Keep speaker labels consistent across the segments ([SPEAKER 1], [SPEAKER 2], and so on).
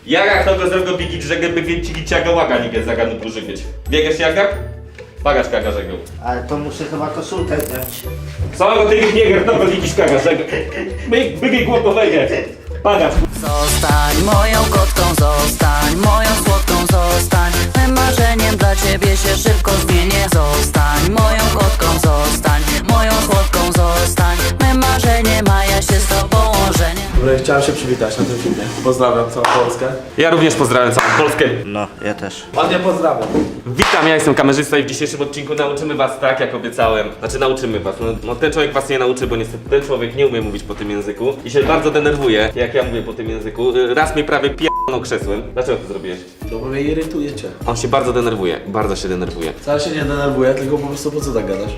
[SPEAKER 1] Jak to go zrobił bigić, że by więci ciaga łaga nie zaganu duży być. Biegasz jagak? Bagaż kaga żegł.
[SPEAKER 2] Ale to muszę chyba koszulkę zdjąć.
[SPEAKER 1] Samego ty biegasz, to go widzisz kaga żegł. Bygi głowowego. Bagaż.
[SPEAKER 3] Zostań moją kotką, zostań moją słodką, zostań mym marzeniem, dla ciebie się szybko zmienię. Zostań moją kotką, zostań moją słodką, zostań mym marzeniem, a ja się z tobą ożenię.
[SPEAKER 4] Dobra, chciałem się przywitać na tym filmie. Pozdrawiam całą Polskę.
[SPEAKER 1] Ja również pozdrawiam całą Polskę.
[SPEAKER 2] No, ja też.
[SPEAKER 4] Ładnie pozdrawiam.
[SPEAKER 1] Witam, ja jestem kamerzysta i w dzisiejszym odcinku nauczymy was tak, jak obiecałem. Znaczy nauczymy was, no ten człowiek was nie nauczy, bo niestety ten człowiek nie umie mówić po tym języku i się bardzo denerwuje, jak ja mówię po tym języku. Raz mnie prawie p***nął krzesłem. Dlaczego to zrobiłeś?
[SPEAKER 4] No bo mnie irytujecie.
[SPEAKER 1] On się bardzo denerwuje, bardzo się denerwuje.
[SPEAKER 4] Wcale się nie denerwuję, tylko po prostu po co tak gadasz?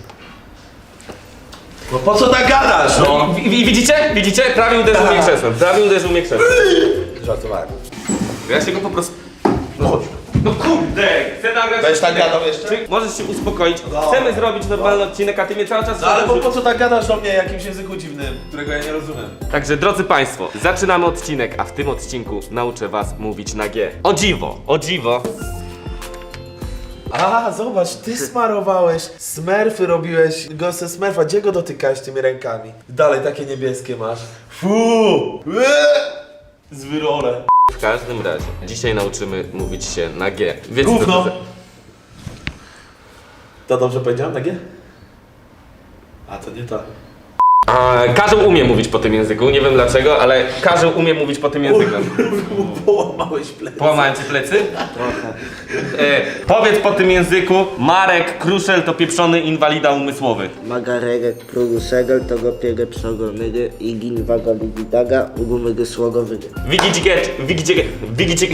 [SPEAKER 4] No po co tak gadasz, no?
[SPEAKER 1] Widzicie? Widzicie? Prawie uderzył mnie krzesłem, prawie uderzył mnie krzesłem.
[SPEAKER 4] Żartowałem.
[SPEAKER 1] Ja się go po prostu...
[SPEAKER 4] No chodź.
[SPEAKER 1] No kurde! Chcę nagrać...
[SPEAKER 4] Będziesz tak gadał jeszcze?
[SPEAKER 1] Czy możesz się uspokoić? Chcemy zrobić normalny odcinek, a ty mnie cały czas...
[SPEAKER 4] No ale po co tak gadasz do mnie jakimś języku dziwnym, którego ja nie rozumiem?
[SPEAKER 1] Także drodzy państwo, zaczynamy odcinek, a w tym odcinku nauczę was mówić na G. O dziwo, o dziwo.
[SPEAKER 4] A, zobacz, ty smarowałeś, smurfy robiłeś, go ze smurfa, gdzie go dotykałeś tymi rękami? Dalej takie niebieskie masz. Fuu! Z wyrole.
[SPEAKER 1] W każdym razie, dzisiaj nauczymy mówić się na G. Wiecie,
[SPEAKER 4] Gówno.
[SPEAKER 1] co to
[SPEAKER 4] To dobrze powiedziałem, tak? A to nie to.
[SPEAKER 1] Karzeł umie mówić po tym języku, nie wiem dlaczego, ale Karzeł umie mówić po tym języku.
[SPEAKER 4] Połamałeś plecy.
[SPEAKER 1] Połamałem ci plecy? Powiedz po tym języku, Marek Kruszel to pieprzony inwalida umysłowy.
[SPEAKER 2] Magarek, prugu segel, togo piegę przogonygy, igin waga ligidaga, ugumygy słogowygy.
[SPEAKER 1] Wigicie...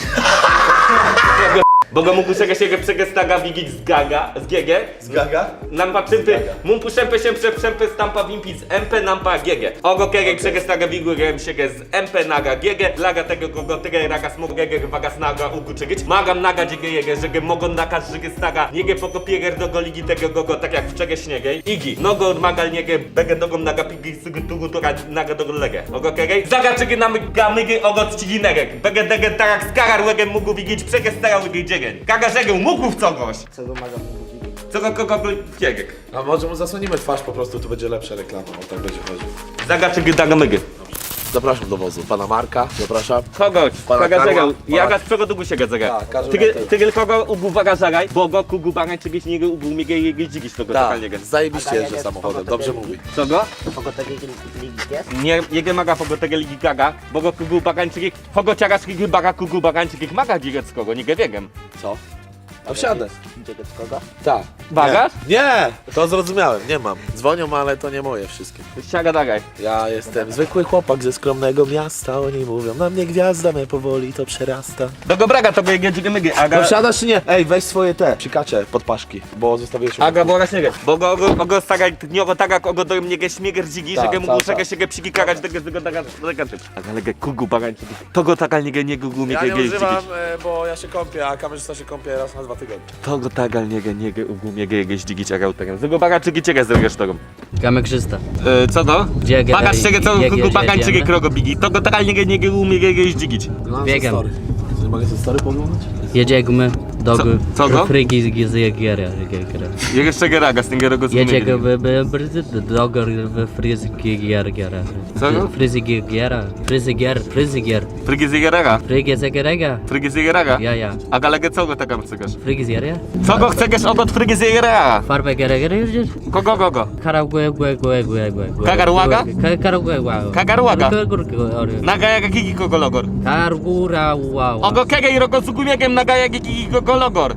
[SPEAKER 1] Bo go mógł się przegestaga wigić z gaga, z GG.
[SPEAKER 4] Z gaga?
[SPEAKER 1] Nampa przympy, mumpu szempy się przeprzępy stampa wimpi z MP nampa GG. Ogo kege przegestaga wigurem siege z MP naga GG. Laga tego kogo tege raga smog GG wagas naga ugu czygić. Magam naga dziege jege, żege mogon nakas żege staga. Niege poko pieger do goligi tego gogo tak jak w czege śniege. Igi, nogo magal niege bege dogom naga pigi sygy tugu tuga naga do lege. Ogo kege, zaga czygy namyga mygy ogo czcigi negek. Bege dege tarak skagar łegem mógł wigić przegestaga łygy dziege. Kaga żegę mógł w cogoś.
[SPEAKER 2] Co go maga mówić?
[SPEAKER 1] Co go kogo ciegek.
[SPEAKER 4] A może mu zasłonimy twarz po prostu, tu będzie lepsza reklama, o tak będzie chodził.
[SPEAKER 1] Zagaczy gydaga mygy.
[SPEAKER 4] Zapraszam do wozu, pana Marka, zapraszam.
[SPEAKER 1] Kogoś,
[SPEAKER 4] Pana
[SPEAKER 1] kaga
[SPEAKER 4] Karła,
[SPEAKER 1] żegał.
[SPEAKER 4] pana-
[SPEAKER 1] Jaga z czego długo się gadzaga.
[SPEAKER 4] Tak, każdy na tyle.
[SPEAKER 1] Ty kogo ugu waga żagaj, bo go kugu bagaj czegoś niego ugu miege jegie dzigiś tego
[SPEAKER 4] Tak,
[SPEAKER 1] totalniego.
[SPEAKER 4] zajebiście jeżdżę samochodem, dobrze mówi.
[SPEAKER 1] Co go?
[SPEAKER 2] Kogo takiej ligi jest?
[SPEAKER 1] Nie, jege maga pogo tego ligi gaga, bo go kugu bagańczyki, pogo ciaga szkigi baga kugu bagańczyki maga dziegec kogo, nie wiegiem.
[SPEAKER 4] Co? A wsiadę.
[SPEAKER 2] Gdzie kogo?
[SPEAKER 4] Tak.
[SPEAKER 1] Bagaż?
[SPEAKER 4] Nie, to zrozumiałem, nie mam. Dzwonią, ale to nie moje wszystkie.
[SPEAKER 1] Siaga dagaj.
[SPEAKER 4] Ja jestem zwykły chłopak ze skromnego miasta, oni mówią, na mnie gwiazda mnie powoli to przerasta.
[SPEAKER 1] Do go braga to go jege dziege mygy, aga...
[SPEAKER 4] No wsiadasz czy nie? Ej, weź swoje te psikacze pod paszki, bo zostawiłeś...
[SPEAKER 1] Aga boga śniegę, bo go stagaj, niogo taga kogo do mnie śmieger dzigi,
[SPEAKER 4] Tak,
[SPEAKER 1] że mógł
[SPEAKER 4] tak, tak.
[SPEAKER 1] się psiki kagać tego daga typ. Aga lege kugu bagańczyki, to go taga nie gugu
[SPEAKER 4] Ja
[SPEAKER 1] miege
[SPEAKER 4] nie
[SPEAKER 1] jeździć.
[SPEAKER 4] używam, bo ja się kąpię, a kamerzysta się kąpie raz na 2 tygodnie.
[SPEAKER 1] To go tagal niege ugumiege jegeś dzigić aga utegam. Zego baga czygi ciege zrobisz tego.
[SPEAKER 5] Kamekrzysta.
[SPEAKER 1] Co to?
[SPEAKER 5] Gdzie
[SPEAKER 1] Baga czygi co
[SPEAKER 5] gdzie-
[SPEAKER 1] kugu
[SPEAKER 5] gdzie
[SPEAKER 1] bagańczyki
[SPEAKER 5] jedziemy?
[SPEAKER 1] krogo bigi. To go tagal niege umiege jegeś dzigić.
[SPEAKER 5] Biegam.
[SPEAKER 4] Mogę te story poglądać?
[SPEAKER 5] Jedziemy do
[SPEAKER 1] Co go?
[SPEAKER 5] Frygi z Jagiera.
[SPEAKER 1] Jeszcze geraga z tego go
[SPEAKER 5] Jedziemy do Frygi Jagiera.
[SPEAKER 1] Co go?
[SPEAKER 5] Frygier.
[SPEAKER 1] Frygi zjegeraga.
[SPEAKER 5] Frygi z Ja.
[SPEAKER 1] Aga lege co go taga chcesz?
[SPEAKER 5] Frygi z Jagiera?
[SPEAKER 1] Co go chcesz ogot frygi zjegeraga?
[SPEAKER 5] Farbę Gerega jedziesz?
[SPEAKER 1] Kogo?
[SPEAKER 5] Karagłe.
[SPEAKER 1] Kagarłaga?
[SPEAKER 5] Karagłe.
[SPEAKER 1] Kagarłaga? Naga jaga kiki kogo logor.
[SPEAKER 5] Kargura wow.
[SPEAKER 1] Ogo kege i rogo zugumiegiem naga jaga kiki kogo logor.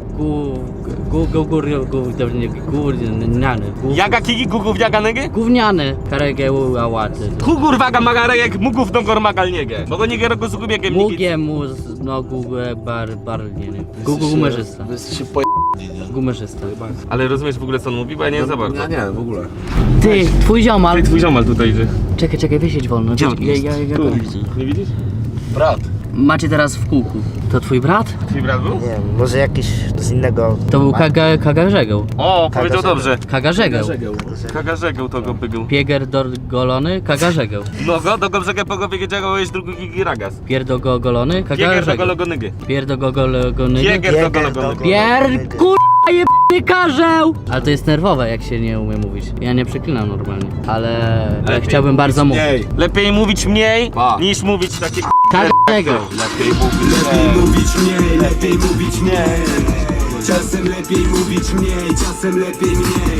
[SPEAKER 1] Jaga kiki gugów jaga nege?
[SPEAKER 5] Gówniane. Karegeł ałaty.
[SPEAKER 1] Kugur waga magarek mugów dongor magal niege. Bo go niege rogo zugumiegiem nigi.
[SPEAKER 5] Mugie mus no Google nie. Google gumerzysta.
[SPEAKER 4] Wy jesteście nie?
[SPEAKER 5] Gumerzysta.
[SPEAKER 1] Ale rozumiesz w ogóle co on mówi? Bo ja nie za bardzo.
[SPEAKER 4] Ja nie, w ogóle.
[SPEAKER 5] Ty, twój ziomal.
[SPEAKER 1] Ty twój ziomal tutaj idzie.
[SPEAKER 5] Czekaj, wysiedź wolno.
[SPEAKER 1] Gdzie on jest?
[SPEAKER 5] Ja
[SPEAKER 1] Tu. Nie widzisz?
[SPEAKER 4] Brat.
[SPEAKER 5] macie teraz w kółku. To twój brat?
[SPEAKER 1] Twój brat był?
[SPEAKER 2] Nie wiem, może jakiś z innego...
[SPEAKER 5] To był Kagarzegeł.
[SPEAKER 1] O, powiedział dobrze.
[SPEAKER 5] Kagarzegeł.
[SPEAKER 1] Kagarzegeł to go bygu.
[SPEAKER 5] Piegerdolgolony, Kagarzegeł.
[SPEAKER 1] No go, do go pogowie wiedział, jest drugi gigi ragas.
[SPEAKER 5] Pierdogogolony,
[SPEAKER 1] Pieger do
[SPEAKER 5] Kagarzegeł.
[SPEAKER 1] gologonygy.
[SPEAKER 5] Pierdogogolony.
[SPEAKER 1] Pieger do gologonygy.
[SPEAKER 5] Nie karzeł! Ale to jest nerwowe, jak się nie umie mówić. Ja nie przeklinam normalnie, ale chciałbym bardzo mówić.
[SPEAKER 1] Lepiej mówić mniej, niż mówić takie
[SPEAKER 5] Kagarzegeł.
[SPEAKER 6] Lepiej mówić mniej, lepiej mówić mniej. Czasem lepiej mówić mniej, czasem lepiej mniej.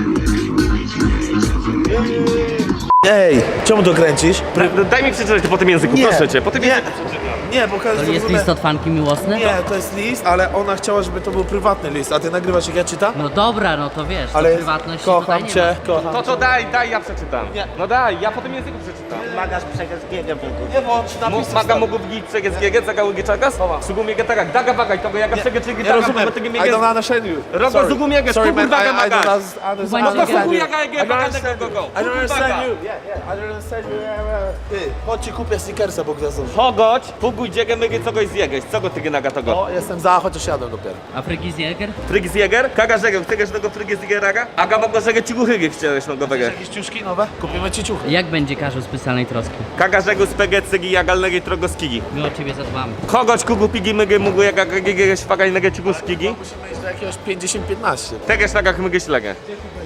[SPEAKER 4] Ej, czemu to kręcisz?
[SPEAKER 1] Daj mi przeczytać to po tym języku,
[SPEAKER 4] Nie.
[SPEAKER 1] proszę cię. Po tym
[SPEAKER 4] Nie.
[SPEAKER 1] języku przeczytam.
[SPEAKER 4] Nie, bo każdy
[SPEAKER 5] To jest list od fanki miłosny?
[SPEAKER 4] Nie, to jest list, ale ona chciała, żeby to był prywatny list, a ty nagrywasz jak ja czytam?
[SPEAKER 5] No dobra, no to wiesz,
[SPEAKER 4] Ale
[SPEAKER 5] to prywatności tutaj
[SPEAKER 4] kocham
[SPEAKER 5] nie
[SPEAKER 4] cię, kocham
[SPEAKER 1] To
[SPEAKER 4] cię.
[SPEAKER 1] co daj, ja przeczytam.
[SPEAKER 4] Nie.
[SPEAKER 1] No daj, ja po tym języku przeczytam.
[SPEAKER 2] Magasz przegaskiego biegu.
[SPEAKER 4] Nie bądź napisów
[SPEAKER 1] Maga mógł być przegęskiego, zagały giczakas, sugumiege tak, daga wagaj, tego jaka przegęczygi
[SPEAKER 4] Nie
[SPEAKER 1] tak,
[SPEAKER 4] rozumiem, I don't understand you.
[SPEAKER 1] Rogo
[SPEAKER 4] Sorry.
[SPEAKER 1] zugumiege,
[SPEAKER 4] Sorry
[SPEAKER 1] kugur
[SPEAKER 4] man,
[SPEAKER 1] waga
[SPEAKER 4] I don't
[SPEAKER 1] maga.
[SPEAKER 4] understand you.
[SPEAKER 1] Jaga,
[SPEAKER 4] I don't understand
[SPEAKER 1] go,
[SPEAKER 4] you.
[SPEAKER 1] go.
[SPEAKER 4] I don't understand you. Yeah, I don't understand you. Ty, chodź ci kupię sneakersa, bo gwiazdą.
[SPEAKER 1] Hogoć, puguj dziegę mygy, co goś zjegeś, co go ty naga tego?
[SPEAKER 4] O, jestem za, chociaż jadę dopiero.
[SPEAKER 5] A Frygizjäger?
[SPEAKER 1] Frygis Jäger, kaga żegę, chcesz tego Frygis Jägeraga? Aga mogło żegę ci guchygi chciałeś nogowego.
[SPEAKER 4] Jakieś ciuszki nowe? Kupimy ci ciuchy.
[SPEAKER 5] Jak będzie Karzu specjalnej troski?
[SPEAKER 1] Kaga żegu spege cygi jagalnegi trogoskigi.
[SPEAKER 5] My o ciebie zadbamy.
[SPEAKER 1] Hogoć kugu pigi mygy mógł jaga gege szpagaj nege ci guskigi.
[SPEAKER 4] Musimy iść do jakiegoś 50-15.
[SPEAKER 1] Tegeż nagach mygy ślegę.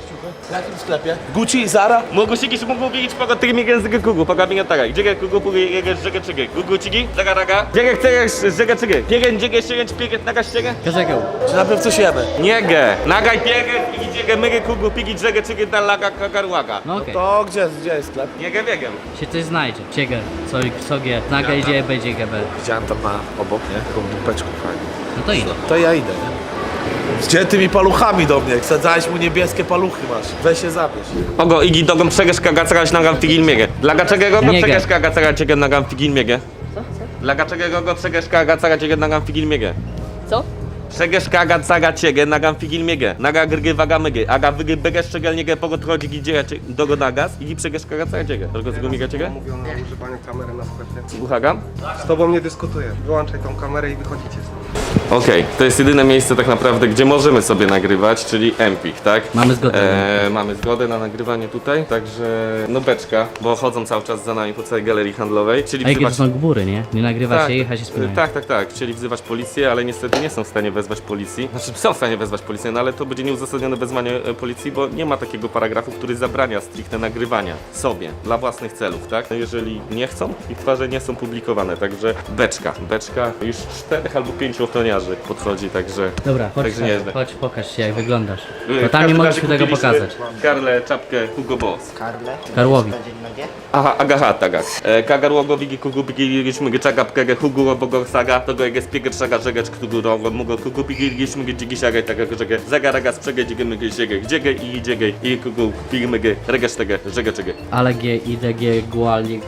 [SPEAKER 4] W jakim sklepie? Gucci, Zara?
[SPEAKER 1] Mógł sigiś mógł wiedzieć pogo tych mi język kugu, pogo mi tak. Gdzie kugu pugi jege żegę czygy. Gugu cigi, zaga raga. Gdzie chcesz żegę czygy. Piegen dziegę sięgać piegen naga ściegę.
[SPEAKER 5] Karzegeł.
[SPEAKER 4] Czy najpierw coś jemy?
[SPEAKER 1] Niege. Nagaj piegen i dziegę mygy kugu pigi żegę czygy na laga kagarłaga.
[SPEAKER 5] No okej.
[SPEAKER 4] To gdzie jest sklep?
[SPEAKER 1] Niege biegiem.
[SPEAKER 5] Się coś znajdzie. Cieger, Sogie, Naga idzie, będzie GB.
[SPEAKER 4] Widziałem tam na obok, nie? Taką dupeczką fajną.
[SPEAKER 5] No to idę.
[SPEAKER 4] To ja idę, nie? Gdzie tymi paluchami do mnie? Wsadzałeś mu niebieskie paluchy masz. Weź się zabierz.
[SPEAKER 1] Ogo igi dogą przegesz kagacagać nagam figilmiege. Dla gaczego go
[SPEAKER 5] Nie
[SPEAKER 1] przegesz
[SPEAKER 5] ge.
[SPEAKER 1] kagacagać ciebie nagam figilmiege. Dla gaczego go przegesz kagacagać ciebie nagam figilmiege.
[SPEAKER 5] Co?
[SPEAKER 1] Przegesz kagacagać ciebie nagam figilmiege. Naga grgy waga mygy. Aga wygy begesz szczegelniege pogod chodzi gdzie dogo nagas i przegesz kagacagać ciebie. Tylko z gumiga ciebie?
[SPEAKER 7] Mówiono o używaniu kamery na sklepie.
[SPEAKER 1] Słuchagam?
[SPEAKER 7] Z tobą nie dyskutuję. Wyłączaj tą kamerę i wychodzicie stąd.
[SPEAKER 1] Okej, to jest jedyne miejsce tak naprawdę, gdzie możemy sobie nagrywać, czyli Empik, tak?
[SPEAKER 5] Mamy zgodę.
[SPEAKER 1] Mamy zgodę na nagrywanie tutaj, także no beczka, bo chodzą cały czas za nami po całej galerii handlowej, czyli
[SPEAKER 5] A jakie to
[SPEAKER 1] wzywać...
[SPEAKER 5] są góry, nie? Nie nagrywa się, jechać się spinają.
[SPEAKER 1] Tak, chcieli wzywać policję, ale niestety nie są w stanie wezwać policji. Znaczy są w stanie wezwać policję, no ale to będzie nieuzasadnione wezwanie policji, bo nie ma takiego paragrafu, który zabrania stricte nagrywania sobie, dla własnych celów, tak? No jeżeli nie chcą, ich twarze nie są publikowane, także beczka, już 4 albo 5 ochroniarzy podchodzi, także...
[SPEAKER 5] Dobra, chodź,
[SPEAKER 1] Także nieźle.
[SPEAKER 5] chodź, pokaż się jak wyglądasz. Bo
[SPEAKER 1] W
[SPEAKER 5] tam
[SPEAKER 1] każdym
[SPEAKER 5] nie
[SPEAKER 1] razie
[SPEAKER 5] mogliśmy tego
[SPEAKER 1] kupiliśmy
[SPEAKER 5] pokazać.
[SPEAKER 1] Karle, czapkę, Hugo Boss.
[SPEAKER 2] Karle?
[SPEAKER 5] Karłowi.
[SPEAKER 2] Będzie nogie?
[SPEAKER 1] Aha, agaha, tagak. Kagarłogo wigi kugu pigi giśmy gyczaga pkege hugu bogo saga, to go jege spiege trzaga żegecz kugu rogo mugo kugu pigi giśmy gdzigi siagaj taka żege zagaraga sprzege dzige myge ziege gdziege i dziege i kugu pigi myge regesz tege żege czege.
[SPEAKER 5] Ale G, IDG, Guali,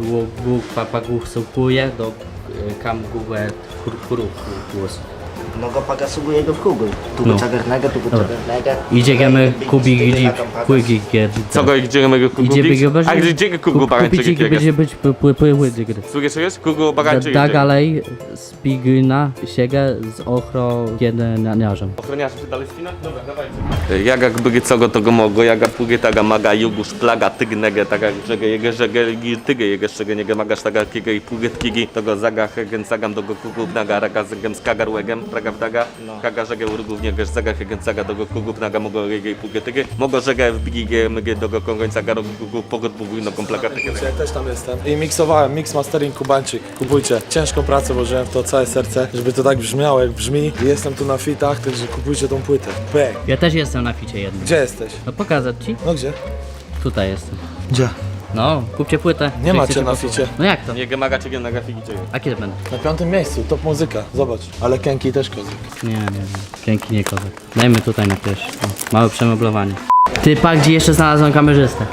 [SPEAKER 5] Gu, Papa, Gu, Sukuje, do Kam, Gugue, Huru, głos.
[SPEAKER 2] No go pagasuguje go w kugu. Tu
[SPEAKER 5] No.
[SPEAKER 2] go czagarnego, tu go
[SPEAKER 5] Dobra.
[SPEAKER 2] czagarnego.
[SPEAKER 5] Idziemy, Kubi, Gidzi, Płygi,
[SPEAKER 1] Co go i gdzie myge kugu
[SPEAKER 5] Idzie
[SPEAKER 1] bić?
[SPEAKER 5] biegać?
[SPEAKER 1] A gdzie kugu bagańczyki
[SPEAKER 5] będzie
[SPEAKER 1] kiege?
[SPEAKER 5] być płyły gry.
[SPEAKER 1] Słuchajcie, kugu bagańczyki
[SPEAKER 5] Dagalej, Spigna, Siege z ochro, jedniarzem.
[SPEAKER 1] Ochroniarze się dalej spina? Dobra, dawajcie. Jagak bygy co go to go mogo, jaga płygy taga maga jugusz plaga tygnege taga żege jege żege tyge jege szczege niege magasz taga kiege i płygy tkigi to go zaga hegen sagam do go kugu naga raga zegem z kagarłegem praga wdaga kaga żege urugów niege zaga hegen saga do go kugu naga mogo jege i płygy tyge mogo żege w bigi myge do go kongońca garo kugu pogod buguj nogą plaga tyge.
[SPEAKER 4] Ja też tam jestem. I miksowałem, mix mastering Kubańczyk. Kupujcie. Ciężką pracę włożyłem w to całe serce, żeby to tak brzmiało jak brzmi. I jestem tu na fitach, także kupujcie tą płytę. Bang.
[SPEAKER 5] Ja też jestem na ficie jednym.
[SPEAKER 4] Gdzie jesteś?
[SPEAKER 5] No pokazać ci?
[SPEAKER 4] No gdzie?
[SPEAKER 5] Tutaj jestem.
[SPEAKER 4] Gdzie?
[SPEAKER 5] No, kupcie płytę.
[SPEAKER 4] Nie
[SPEAKER 5] Jak
[SPEAKER 4] macie
[SPEAKER 5] chcecie
[SPEAKER 4] na
[SPEAKER 5] posłuchać.
[SPEAKER 4] ficie.
[SPEAKER 5] No jak to?
[SPEAKER 1] Niege maga ciege naga figi ciege.
[SPEAKER 5] A kiedy będę?
[SPEAKER 4] Na 5. miejscu, top muzyka. Zobacz. Ale Kenki też kozik.
[SPEAKER 5] Nie. Dzięki, nie kozak. Dajmy tutaj na pierwszy. O, małe przemeblowanie. Ty, pa, gdzie jeszcze znalazłem kamerzystę?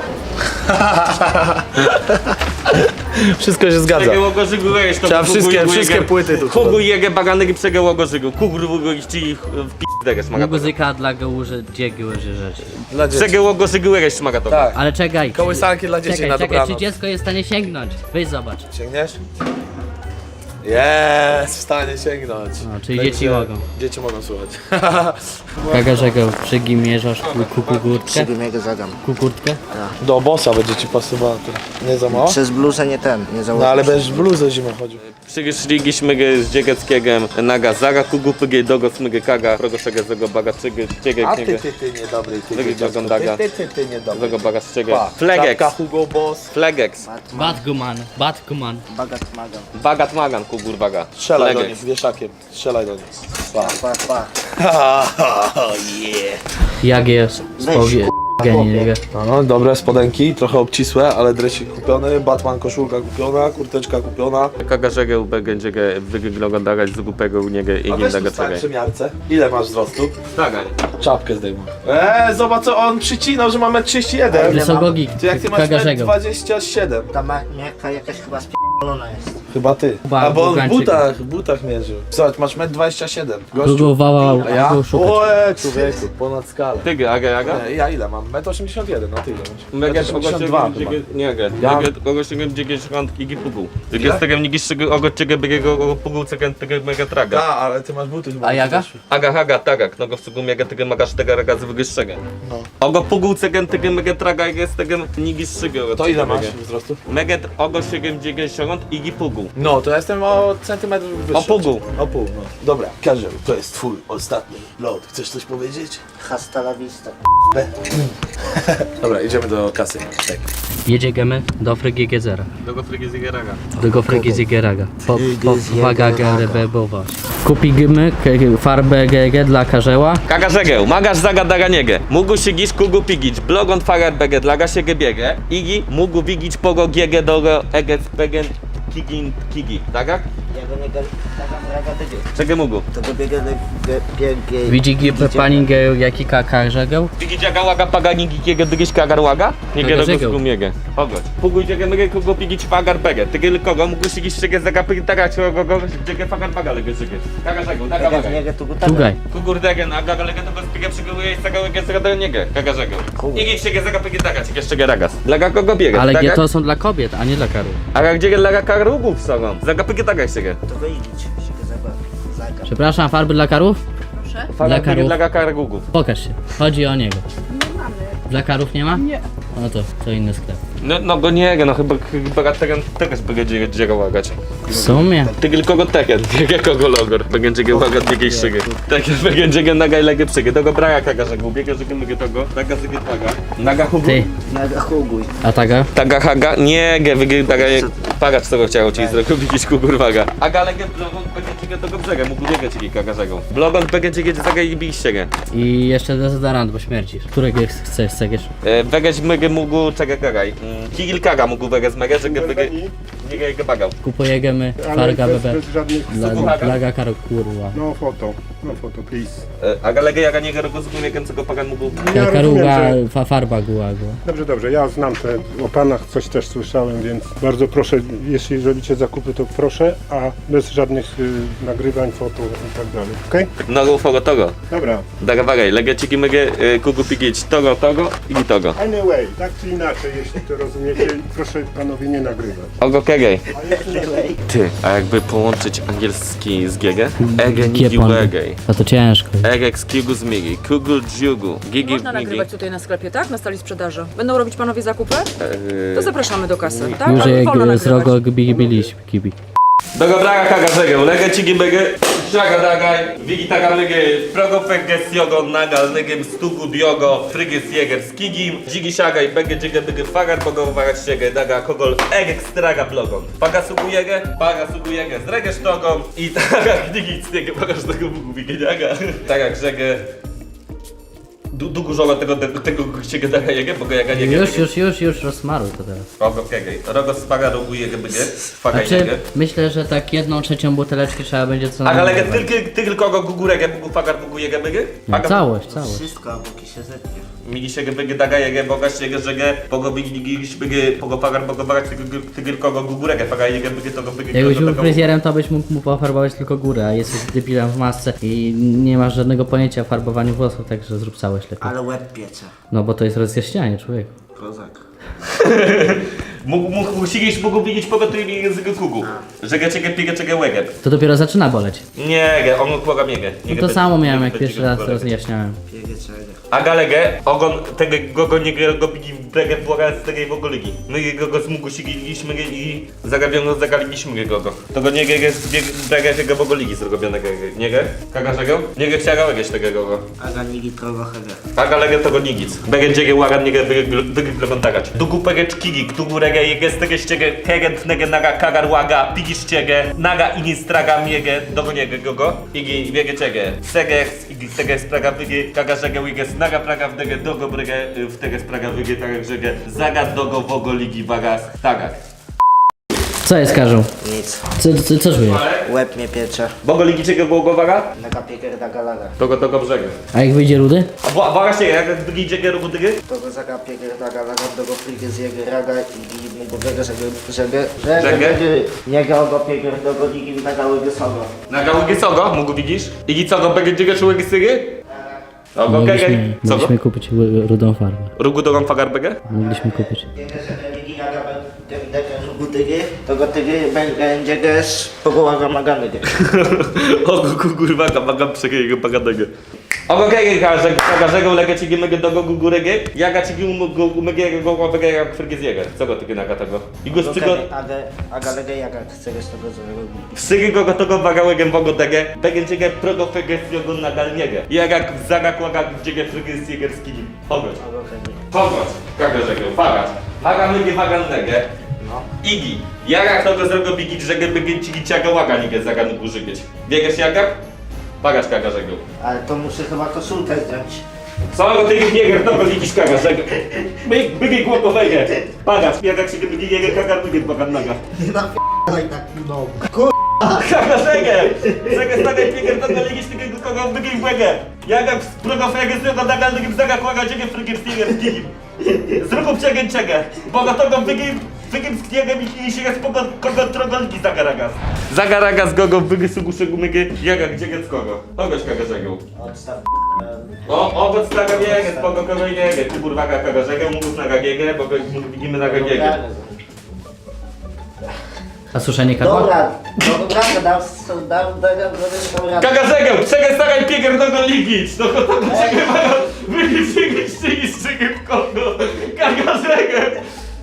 [SPEAKER 4] Wszystko się zgadza.
[SPEAKER 1] Przegełogo żygu weź to
[SPEAKER 4] Trzeba
[SPEAKER 1] kugu
[SPEAKER 4] wszystkie-
[SPEAKER 1] jege-
[SPEAKER 4] wszystkie płyty tu
[SPEAKER 1] Kugu jege baganek przegełogo żygu. Kugu iści w p***deges maga to.
[SPEAKER 5] Muzyka dla gołuży, gdzie gołuży rzeczy.
[SPEAKER 4] Dla dzieci.
[SPEAKER 1] Przegełogo żygu weź maga to.
[SPEAKER 4] Tak.
[SPEAKER 5] Ale czekaj.
[SPEAKER 4] Kołysanki dla dzieci
[SPEAKER 5] Czekaj,
[SPEAKER 4] na
[SPEAKER 5] czy
[SPEAKER 4] dobranoc.
[SPEAKER 5] dziecko jest w stanie sięgnąć? Weź zobacz.
[SPEAKER 4] Sięgniesz? Jest w stanie sięgnąć.
[SPEAKER 5] No, czyli dzieci mogą.
[SPEAKER 4] Dzieci mogą słuchać.
[SPEAKER 5] Kagarzego przygimierzasz kukurtkę?
[SPEAKER 2] Przygumiego zagam.
[SPEAKER 5] Kukurtkę?
[SPEAKER 4] Do bossa będzie ci pasowało. Nie za mało?
[SPEAKER 2] Przez bluzę nie ten, nie
[SPEAKER 4] No
[SPEAKER 2] założysz.
[SPEAKER 4] ale będziesz w bluzę zimą chodził.
[SPEAKER 1] Przyszliśmy z dzieckiem naga zaga kugupygie dogo smygy kaga progoszego zego baga czygy
[SPEAKER 4] A
[SPEAKER 1] ciege
[SPEAKER 4] ty niedobry, ty
[SPEAKER 1] Wygląda
[SPEAKER 4] dziecko.
[SPEAKER 1] oglądaga.
[SPEAKER 4] Ty niedobry.
[SPEAKER 1] zego baga czege
[SPEAKER 4] Pa,
[SPEAKER 1] Flegex
[SPEAKER 4] czapka Hugo Boss.
[SPEAKER 1] Flegex
[SPEAKER 5] Batguman.
[SPEAKER 2] Bagat magam.
[SPEAKER 1] Bagat magan kukurwaga
[SPEAKER 4] Strzelaj do
[SPEAKER 1] Flegex.
[SPEAKER 4] nich wieszakiem. Strzelaj do nich. Pa.
[SPEAKER 2] Pa.
[SPEAKER 5] Jak jest? Spowie... Genie.
[SPEAKER 4] No, dobre spodenki, trochę obcisłe, ale dresik kupiony, Batman koszulka kupiona, kurteczka kupiona.
[SPEAKER 1] Kagarzego będzie wyglądać z głupego u niego i
[SPEAKER 4] A
[SPEAKER 1] nie
[SPEAKER 4] weź tu
[SPEAKER 1] dago
[SPEAKER 4] stań
[SPEAKER 1] czege
[SPEAKER 4] przy miarce. Ile masz wzrostu?
[SPEAKER 1] Tagań
[SPEAKER 4] Czapkę zdejmuj. Zobacz co on przycinał, że mamy 31.
[SPEAKER 5] Wysokogik.
[SPEAKER 4] Ty jak ty masz
[SPEAKER 5] Kagarzego.
[SPEAKER 4] 27.
[SPEAKER 2] Ta miarka jakaś chyba spierdolona jest.
[SPEAKER 4] Chyba ty.
[SPEAKER 5] Chyba
[SPEAKER 4] A bo on w
[SPEAKER 5] Bułgańczyk.
[SPEAKER 4] butach mierzył. Zobacz, masz 1,27 m.
[SPEAKER 5] Kogo wałał,
[SPEAKER 4] A ja?
[SPEAKER 5] go szukać.
[SPEAKER 4] Oe, człowieku, ponad skalę.
[SPEAKER 1] Tygy, aga?
[SPEAKER 4] Ja ile mam? 1,81 m, no ty ile masz?
[SPEAKER 1] Mega
[SPEAKER 4] 1,82 chyba.
[SPEAKER 1] nie,
[SPEAKER 4] Ja-
[SPEAKER 1] kogoś dziegieć i gipugu. Tylko z tego nigiszczego ogo ciege biegego pugu cegen tego mega traga.
[SPEAKER 4] A, ale ty masz buty chyba.
[SPEAKER 5] A jaga?
[SPEAKER 1] Aga, tagak, no go w cugu mega tego magasz tego raga z wyższego.
[SPEAKER 4] No.
[SPEAKER 1] Ogo pugu cegen tego mega traga jest tego nigiszczego.
[SPEAKER 4] To ile masz wzrostu?
[SPEAKER 1] Mega ogo 90 i gipugu.
[SPEAKER 4] No, to ja jestem o centymetr wyższy.
[SPEAKER 1] O pół.
[SPEAKER 4] O pół, no. Dobra, Karzeł, to jest twój ostatni lot. Chcesz coś powiedzieć?
[SPEAKER 2] Hasta la vista.
[SPEAKER 4] Dobra, idziemy do kasy. Tak.
[SPEAKER 5] Jedziemy do Frygi Gezera.
[SPEAKER 1] Do go frygi zigeraga.
[SPEAKER 5] Do Gofrygi Ziegeraga. Powaga
[SPEAKER 2] Ziegeraga.
[SPEAKER 5] gerebowa. Kupimy farbę GG dla karzeła.
[SPEAKER 1] Kagarzegę, magasz zagadaga niege. Mógł się gić kugu pigić. Blogon fagar bege, dlaga się gebiege. Igi mógł wigić pogo giege dogo egec pegen kigi. Tagak?
[SPEAKER 2] Ja go nie zagam raga dygie.
[SPEAKER 1] Czego mógł?
[SPEAKER 2] To go biega pięknie.
[SPEAKER 5] Widzi pani jaki karzeł?
[SPEAKER 1] Wigić jaga łaga pagani gigiege dygiś kagar łaga? Niege dogo
[SPEAKER 5] Kagarzegę.
[SPEAKER 1] skumiege. Pogodź. Póguj dziege myge kugu pigić fagar bege. Tygy kogo mógł się gić czege zagapy tagać kogo dziege fagar baga lege czege. Kagarzegę, daga waga.
[SPEAKER 2] Nie tu
[SPEAKER 5] Tugaj.
[SPEAKER 1] Kugurdege, a gaga lege tego spigę przygotuje i zaga lege zaga do niege. Kagarzegę. Igi czege zagapy tagać, jeszcze ragas. Dla kogo biega?
[SPEAKER 5] Ale
[SPEAKER 1] tagak?
[SPEAKER 5] to są dla kobiet, a nie dla karów.
[SPEAKER 1] A gdzie dla karugów są? Zagapy tagać czege.
[SPEAKER 2] To wyjdzieć się go zagam.
[SPEAKER 5] Przepraszam, farby dla karów? Dla karów.
[SPEAKER 1] Dla karugów.
[SPEAKER 5] Pokaż się. Chodzi o niego. Dla karów nie ma? Nie. No to inny sklep.
[SPEAKER 1] No go nie, no chyba tegoś będzie dziega łagać.
[SPEAKER 5] W sumie.
[SPEAKER 1] Ty tylko go tegen, nie kogo logor. Będzie łagać jakiejś szygy. Tak będzie nagaj legę przygy. Tego braga kagaże gubiega, że mogę tego. Naga zygy taga. Naga hugu.
[SPEAKER 5] Ty.
[SPEAKER 2] Naga huguj.
[SPEAKER 5] A taga?
[SPEAKER 1] Taga haga. Nie, taga pagacz co chciał ci zrobić jakiś kukurwaga. Aga legę blogon będzie tego brzega, mógł biegać jakiś kagarzego. Blogon będzie zaga i biście.
[SPEAKER 5] I jeszcze dezodorant, bo śmierdzisz. Którego chcesz?
[SPEAKER 1] Wegeć mygy mógł czega kagaj. Kigil kaga mógł wegeć mega, że wegeć nie go bagał.
[SPEAKER 5] Kupujemy farga bebe.
[SPEAKER 8] żadnych...
[SPEAKER 5] Dla karów, kurwa.
[SPEAKER 8] No foto, please.
[SPEAKER 1] Aga legę jaga nie go rozumie, co pagan mógł.
[SPEAKER 5] Karuga, farba gułago.
[SPEAKER 8] Dobrze, ja znam te o panach, coś też słyszałem, więc bardzo proszę, jeśli robicie zakupy, to proszę, a bez żadnych nagrywań, foto i tak dalej, okej?
[SPEAKER 1] No fogo togo.
[SPEAKER 8] Dobra,
[SPEAKER 1] Daga bagaj, legę ciki mygy, kugu pigieć togo i togo.
[SPEAKER 8] anyway, tak czy inaczej, jeśli to rozumiecie, proszę panowie nie nagrywać.
[SPEAKER 1] Ogo kegej. Ty, a jakby połączyć angielski z giege? Ege nigi
[SPEAKER 5] Giepon.
[SPEAKER 1] wegej.
[SPEAKER 5] A to ciężko.
[SPEAKER 1] Egek z kigu z migi, kugu dżugu, gigi
[SPEAKER 9] Można
[SPEAKER 1] migi.
[SPEAKER 9] nagrywać tutaj na sklepie, tak? Na stali sprzedaży. Będą robić panowie zakupy? To zapraszamy do kasy, tak?
[SPEAKER 5] Już
[SPEAKER 9] Ale wolno
[SPEAKER 5] jak z rogo
[SPEAKER 9] nagrywać.
[SPEAKER 5] biliśmy kibi.
[SPEAKER 1] Dogo braga kaga żegę, legę ciki mygy, szaga dagaj, wigi taga mygy, progo feges jogo nagal, negem stugu diogo, fryges jeger z kigim, dzigi siagaj, bege dzige bygy fagar, bogo wagać siegę, daga kogol, egek straga blogon. Paga sugu jegę, zregę sztogą i taga knigi cniegę, bagaż tego bugu wigeniaga. Taga grzegę. Długo żoga tego ciebie daga jegę, bo go jaga nie
[SPEAKER 5] Już rozmaruj to teraz.
[SPEAKER 1] Rogo kegej, rogo spaga rogu jegę bygy, faga
[SPEAKER 5] Znaczy,
[SPEAKER 1] jegę.
[SPEAKER 5] myślę, że tak 1/3 buteleczki trzeba będzie co
[SPEAKER 1] Aga legę
[SPEAKER 5] najmniej.
[SPEAKER 1] tylko go guguregę, bugu fagar bugu jegę bygy?
[SPEAKER 5] No, całość.
[SPEAKER 2] Wszystko, a boki się zetnie.
[SPEAKER 1] Migi się bygy daga jegę, boga się żegę, pogo bygi bygy, pogo fagar bogo wagać tylko go guguregę, faga jegę bygy to go bygy.
[SPEAKER 5] Jakbyś był fryzjerem, to byś mógł mu pofarbować tylko górę, a jesteś debilem w masce i nie masz żadnego pojęcia o farbowaniu włosów, także zrób całość lepiej.
[SPEAKER 2] Ale łeb piecze.
[SPEAKER 5] No bo to jest rozjaśnianie, człowieku.
[SPEAKER 2] Kozak.
[SPEAKER 1] Musisz widzieć pogotowie języka kugu. Żegę ciebie piegę czego łegę.
[SPEAKER 5] To dopiero zaczyna boleć.
[SPEAKER 1] Nie, on kłaga miegę.
[SPEAKER 5] No to samo miałem jak pierwszy raz to rozjaśniałem.
[SPEAKER 2] Piegę czego.
[SPEAKER 1] A galegę, ogon tego go nie go bigi w bregę błaga z tego w ogóle ligi. My go zmugu sigiliśmy i zagaliliśmy go. To go nie jest bregę tego w ogóle ligi zrobionego. Nie ge? Kagarzego? Nie ge chciała łegeś tego go.
[SPEAKER 2] Aga nigi trogo hege.
[SPEAKER 1] A galegę to go nigic. Begę dziegę łagan nie ge wyglądać. Dugu pegę czkigi, którego regę jege z tego ściegę kegent nege naga kagar łaga pigisz ciegę naga igi straga miegę dogo niege go. Igi wiege ciegę. Segex igi segex praga wygi kagarzegę wiges naga praga w dege dogo bregę w tego spraga wygi tak żegę zaga dogo wogo ligi wagas tagak.
[SPEAKER 5] Co jest, Karzeł?
[SPEAKER 2] Nic.
[SPEAKER 5] Co czujesz?
[SPEAKER 2] Łeb mnie piecze.
[SPEAKER 1] Bogo ligi czego było waga?
[SPEAKER 2] Naga pieger daga laga.
[SPEAKER 1] Togo brzegu.
[SPEAKER 5] A jak wyjdzie rudy?
[SPEAKER 1] A waga się jak drugi dziegę robu dygy?
[SPEAKER 2] Togo zaga pieger daga laga. Dogo pligę z jego raga i mu go wege żegę. Niega ogo pieger dogo ligi daga łego sogo.
[SPEAKER 1] Naga łygi cogo? Mógł widzisz? Igi cogo będzie dziegę czy łygi sygy? Ogo kegę. Cogo?
[SPEAKER 5] Mogliśmy kupić rudą farbę.
[SPEAKER 1] Rugu dogą fagar begę?
[SPEAKER 5] Mogliśmy kupić.
[SPEAKER 2] Piegę żegę ligi naga dege żugu tygy. Togo tygy będzie gesz pogołaga magany.
[SPEAKER 1] Ogo kurwa magam przegiego bagadego. Ogo kegę kagarzego lega ci gimego dogo gugurege. Jaga ci gimego go łapega jak frygizjega. Co go tygy naga tego? I go szczygo...
[SPEAKER 2] Aga lege jaga chce z tego złego.
[SPEAKER 1] Psygy go tego wagałegiem wogo dege. Begen ciege progo fegestiogo nagalniege. Jak zaga kłaga dziege frygizjegerski. Ogo. Pogoć, kagarzego, fagać. Waga mygie wagannego.
[SPEAKER 2] No.
[SPEAKER 1] Igi. Jak to go zrobił bigić, że by ci ciaga łaga nigę zaganu górzygieć. Biegasz jak? Pagać kagarzego.
[SPEAKER 2] Ale to muszę chyba koszulkę zdjąć.
[SPEAKER 1] Co ty biegasz, to go widzisz kagarzego. Bygi głowowego. Pagać, jak się bygi jego kagar bygi bagannaga.
[SPEAKER 2] Nie napierdaj tak no.
[SPEAKER 1] Kagarzego! Zagę stagaj biegasz, to go ligisz tego kogo bygi błegę. Jak z progofego z tego nagalnego zaga kłaga dziegę frygiem z tigiem. Zrób czegę. Boga to go wygim z kniegiem i się jest kogo trogolki zagaragas. Zagaragas gogo wygy suguszego mygy jaga gdzie z kogo. Kogoś kagarzego.
[SPEAKER 2] Odstaw.
[SPEAKER 1] Owoc naga biegę, spoko kogo niegę. Ty burwaga kagarzego, mógł naga giegę, bo widzimy naga giegę.
[SPEAKER 5] A suszenie kadła?
[SPEAKER 2] Dobra, dam radę.
[SPEAKER 1] Kagarzego, czekaj stagaj pieger do go ligić. No to czekaj mają wygić w kogo. Kagarzego.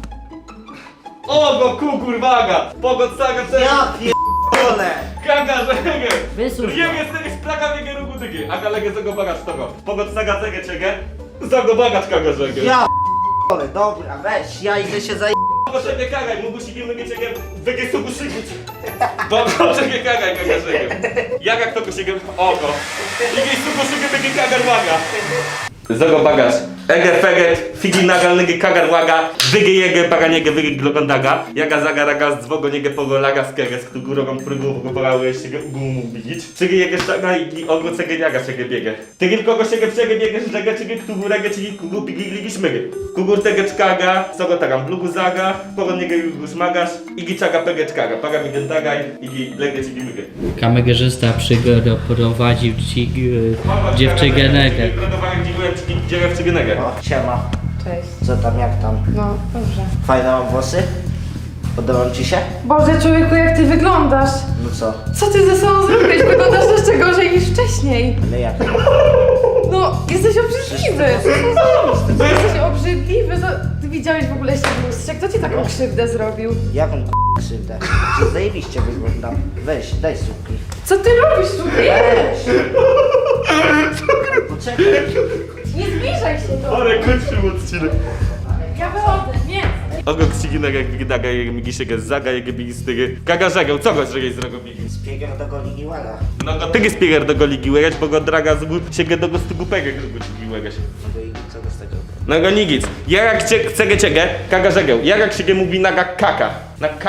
[SPEAKER 1] Ogo kurwaga. Pogod saga
[SPEAKER 2] Ja pierdolę!
[SPEAKER 1] Kagarzego.
[SPEAKER 5] Wysuń go.
[SPEAKER 1] Wiem jesteś plaga wiege rugu dygi. Aga legę zago bagacz tego. Pogod saga cegę czegę. Zago bagacz kagarzego.
[SPEAKER 2] Ja pierdolę, dobra, weź, ja idę się za...
[SPEAKER 1] Proszę nie kagaj, mógł się nie mygieć jak wygie sugu szygić. Bo proszę nie kagaj kagarzego. Jak to go się oko. Igiej sugu szygi wygie kagar łaga. Zago bagaż. Ege feget, figi nagalnygi kagar łaga, wygie jege baganiege wygie glogondaga, jaga zagaraga z dwogo niege pogolaga skege, z którego prygu pogołały się ugumu widzieć. Czygi jege sztaga i ogro cege jaga czege biege. Ty kogo się przege biege żega czygi którego czygi kugu bigi ligi szmygy. Kugur tege czkaga, sogo tagam blugu zaga, pogo niege już magasz, igi czaga pege czkaga, paga mi den tagaj, igi lege czygi mygy.
[SPEAKER 5] Kamegerzysta przyprowadził ci dziewczygenegę.
[SPEAKER 1] Dziewczygenegę.
[SPEAKER 2] O, siema.
[SPEAKER 9] Cześć.
[SPEAKER 2] Co tam, jak tam?
[SPEAKER 9] No, dobrze.
[SPEAKER 2] Fajne mam włosy? Podobam ci się?
[SPEAKER 9] Boże, człowieku, jak ty wyglądasz!
[SPEAKER 2] No co?
[SPEAKER 9] Co ty ze sobą zrobiłeś? Wyglądasz jeszcze gorzej niż wcześniej.
[SPEAKER 2] Ale jak?
[SPEAKER 9] No, jesteś obrzydliwy. Jesteś obrzydliwy. Ty widziałeś w ogóle się w lustrze? Kto ci taką krzywdę zrobił?
[SPEAKER 2] Jaką krzywdę? Czy zajebiście wyglądam? Weź, daj słupki.
[SPEAKER 9] Co ty robisz tutaj?
[SPEAKER 2] Weź! Poczekaj.
[SPEAKER 9] Nie zbliżaj się do
[SPEAKER 1] Ale kończył odcinek.
[SPEAKER 9] Ja wychodzę, nie.
[SPEAKER 1] Ogo ksiginek jak wydaga, jak mi się zaga, jak mi stygy. Kagarzegę, co go żegej zrobili?
[SPEAKER 2] Spiegiem do golini łaga.
[SPEAKER 1] No go tygy spieger do go ligi łegać, bo go draga z gór się do go stygu pegek do go ligi łegać.
[SPEAKER 2] No i co go z tego?
[SPEAKER 1] No go nigic. Ja jak chcę ciegę, kagarzegę. Ja jak się mówi naga kaka. Na K.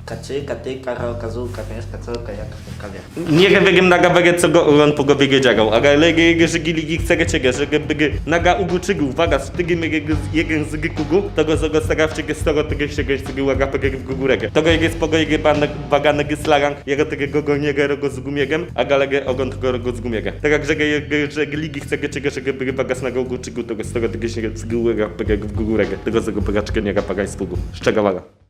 [SPEAKER 2] Kacyka, ty, karo, kazuka, pieska, coka, jak w kawie.
[SPEAKER 1] Nie wiem naga wege co go on po głowie wiedział, ale lege żygi ligi chce ciege, że bygy naga uguczygu, uwaga, z tygi jeden z kugu, tego z stagawcie storo tego się cygy łaga pegeg w gugurege. Tego jest pogo jege bagane gyslarang, jego tego goniege rogo z gumiegiem, a galege ogon tego rogo z gumiege. Tak jak że ligi chce ciege, że bygy bagas naga uguczygu, tego storo tego się cygy łaga pegeg w gugurege. Tego z tego pegaczkę nie ga pagań z pugu. Szczegawala.